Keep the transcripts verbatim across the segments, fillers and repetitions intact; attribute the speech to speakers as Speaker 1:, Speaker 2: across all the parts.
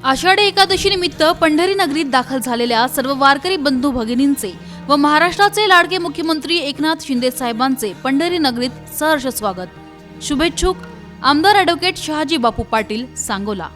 Speaker 1: आषाढी एकादशी निमित्त पंढरी नगरीत दाखल झालेल्या सर्व वारकरी बंधू भगिनींचे व महाराष्ट्राचे लाडके मुख्यमंत्री एकनाथ शिंदे साहेबांचे पंढरी नगरीत सहर्ष स्वागत. शुभेच्छुक आमदार ॲडव्होकेट शहाजी बापू पाटील, सांगोला.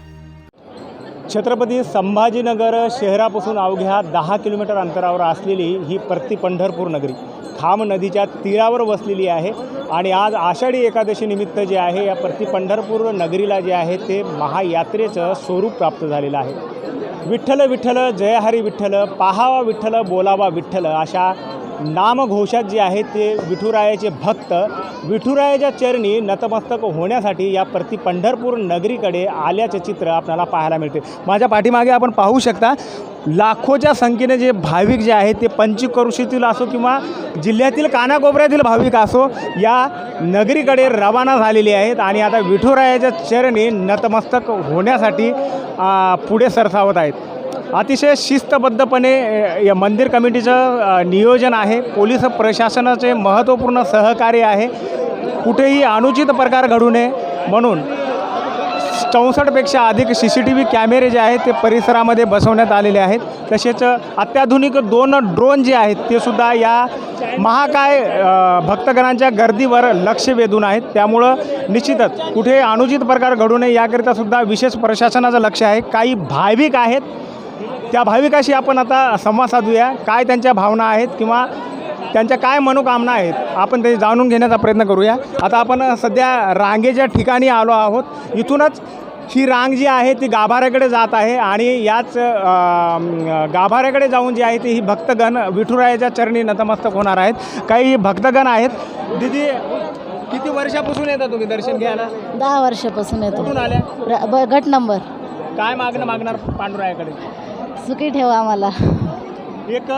Speaker 2: छत्रपती संभाजीनगर शहरापासून अवघ्या दहा किलोमीटर अंतरावर असलेली ही प्रति पंढरपूर नगरी खाम नदीच्या तीरावर वसलेली आहे. आणि आज आषाढी एकादशी निमित्त जे आहे या प्रति पंढरपूर नगरीला जे आहे ते महायात्रेचं स्वरूप प्राप्त झालेलं आहे. विठ्ठल विठ्ठल जय हरी विठ्ठल, पाहावा विठ्ठल बोलावा विठ्ठल अशा नामघोषात जे आहे ते विठुरायाचे भक्त विठुरायाच्या चरणी नतमस्तक होण्यासाठी या प्रति पंढरपूर नगरीकडे आल्याचे चित्र आपल्याला पाहायला मिळते. माझ्या पाठीमागे आपण पाहू शकता लाखोच्या संख्येने जे भाविक जे आहेत ते पंचक्रोशीतील असो किंवा जिल्ह्यातील कानाकोपऱ्यातील भाविक असो या नगरीकडे रवाना झालेले आहेत आणि आता विठुरायाच्या चरणी नतमस्तक होण्यासाठी पुढे सरसावत आहेत. अतिशय शिस्तबद्धपणे या मंदिर कमिटीचं नियोजन आहे. पोलीस प्रशासनाचे महत्त्वपूर्ण सहकार्य आहे. कुठेही अनुचित प्रकार घडू नये म्हणून चौसष्टपेक्षा अधिक सी सी टी व्ही कॅमेरे जे आहेत ते परिसरामध्ये बसवण्यात आलेले आहेत. तसेच अत्याधुनिक दोन ड्रोन जे आहेत ते सुद्धा या महाकाय भक्तगणांच्या गर्दीवर लक्ष वेधून आहेत. त्यामुळं निश्चितच कुठे अनुचित प्रकार घडू नये याकरिता सुद्धा विशेष प्रशासनाचं लक्ष आहे. काही भाविक आहेत, त्या भाविकाशी आपण आता संवाद साधूया. काय त्यांच्या भावना आहेत किंवा त्यांच्या काय मनोकामना आहेत आपण ते जाणून घेण्याचा प्रयत्न करूया. आता आपण सध्या रांगेच्या ठिकाणी आलो आहोत. इथूनच ही रांग जी आहे ती गाभाऱ्याकडे जात आहे आणि याच गाभाऱ्याकडे जाऊन जी आहे ती ही भक्तगण विठुरायाच्या चरणी नतमस्तक होणार आहेत. काही भक्तगण आहेत. दीदी, किती वर्षापासून येता तुम्ही दर्शन घ्यायला?
Speaker 3: दहा वर्षापासून येतो.
Speaker 2: कुठून आल्या?
Speaker 3: गट नंबर.
Speaker 2: काय मागणं मागणार पांडुरायाकडे?
Speaker 3: सुखी ठेवा आम्हाला.
Speaker 2: एक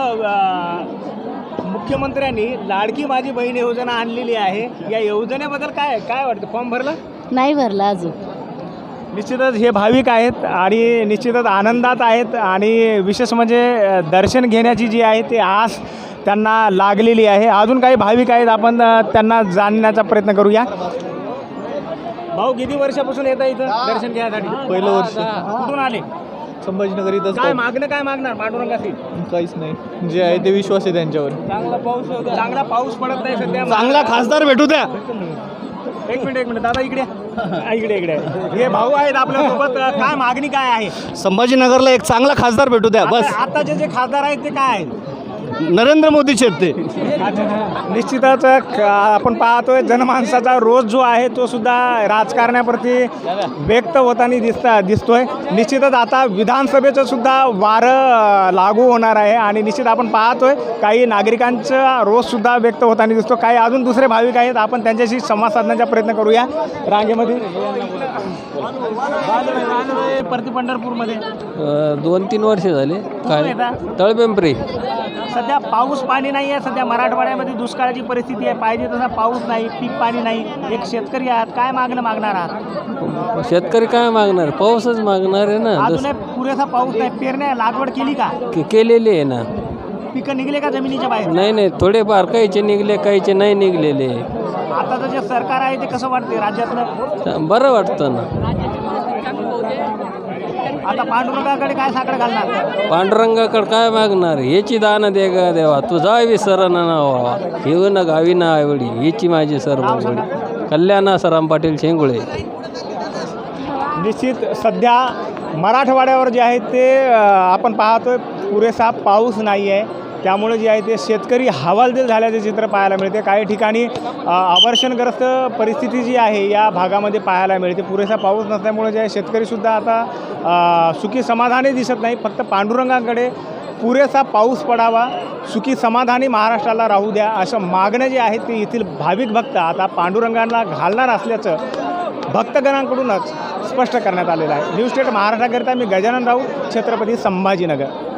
Speaker 2: मुख्यमंत्र्यांनी लाडकी माझी बहीण योजना आणलेली आहे. या योजनेबद्दल काय काय वाटतं? फॉर्म भरला?
Speaker 3: नाही भरला अजून.
Speaker 2: निश्चितच हे भाविक आहेत आणि निश्चितच आनंदात आहेत आणि विशेष म्हणजे दर्शन घेण्याची जी आहे ती आस त्यांना लागलेली आहे. अजून काही भाविक आहेत, आपण त्यांना जाणण्याचा प्रयत्न करूया. भाऊ, किती वर्षापासून येतं इथं दर्शन घ्यायसाठी?
Speaker 4: पहिलं वर्ष.
Speaker 2: कुठून आले?
Speaker 4: संभाजीनगर. इथं
Speaker 2: काय मागणं काय मागणार पांडुरंगाशी?
Speaker 4: काहीच नाही, जे आहे ते विश्वास आहे त्यांच्यावर.
Speaker 2: चांगला पाऊस चांगला पाऊस पडत नाही सध्या.
Speaker 4: चांगला खासदार भेटू द्या.
Speaker 2: एक मिनिट एक मिनिट दादा, इकडे इकडे इकडे हे भाऊ आहेत आपल्यासोबत. काय मागणी काय आहे?
Speaker 4: संभाजीनगरला एक चांगला खासदार भेटू द्या बस.
Speaker 2: आताचे जे खासदार आहेत ते काय आहेत?
Speaker 4: नरेंद्र मोदीचे ते.
Speaker 2: निश्चितच आपण पाहतोय जनमानसाचा रोज जो आहे तो सुद्धा राजकारणाप्रती व्यक्त होताना दिसता दिसतोय. निश्चितच आता विधानसभेचं सुद्धा वारं लागू होणार आहे आणि निश्चित आपण पाहतोय काही नागरिकांचा रोज सुद्धा व्यक्त होताना दिसतो. काही अजून दुसरे भाविक आहेत, आपण त्यांच्याशी संवाद साधण्याचा प्रयत्न करूया. रांगेमध्ये प्रति पंढरपूरमध्ये
Speaker 5: दोन तीन वर्ष झाले. काय तळपिंपरी.
Speaker 2: सध्या पाऊस पाणी नाही आहे. सध्या मराठवाड्यामध्ये दुष्काळाची परिस्थिती आहे. पाहिजे तसा पाऊस नाही, पीक पाणी नाही. एक शेतकरी आहात, काय मागणं मागणार आहात?
Speaker 5: शेतकरी काय मागणार? पाऊसच मागणार आहे ना.
Speaker 2: अजून पुरेसा पाऊस नाही. पेरण्या लागवड केली का?
Speaker 5: केलेली आहे ना.
Speaker 2: पिकं निघले का जमिनीच्या बाहेर?
Speaker 5: नाही नाही, थोडेफार काहीचे निघले, काहीचे नाही निघलेले.
Speaker 2: आताचं जे सरकार आहे ते कसं वाटते राज्यातलं?
Speaker 5: बरं वाटतं ना.
Speaker 2: आता पांडुरंगाकडे काय साखर घालणार?
Speaker 5: पांडुरंगाकडे काय मागणार? याची दान दे ग देवा, तुझा विसर ना व्हावा, येऊ न गावी ना आवडी, याची माझी सर्व कल्याणा सराम पाटील शेंगुळे.
Speaker 2: निश्चित सध्या मराठवाड्यावर जे आहे ते आपण पाहतोय पुरेसा पाऊस नाही आहे. त्यामुळे जे आहे ते शेतकरी हवालदिल झाल्याचे चित्र पाहायला मिळते. काही ठिकाणी अवर्षणग्रस्त परिस्थिती जी आहे या भागामध्ये पाहायला मिळते. पुरेसा पाऊस नसल्यामुळे जे आहे शेतकरीसुद्धा आता सुखी समाधानी दिसत नाही. फक्त पांडुरंगाकडे पुरेसा पाऊस पडावा, सुखी समाधानी महाराष्ट्राला राहू द्या असं मागणं जे आहे ते येथील भाविक भक्त आता पांडुरंगांना घालणार असल्याचं भक्तगणांकडूनच स्पष्ट करण्यात आलेलं आहे. न्यूज स्टेट महाराष्ट्राकरिता मी गजानन राऊत, छत्रपती संभाजीनगर.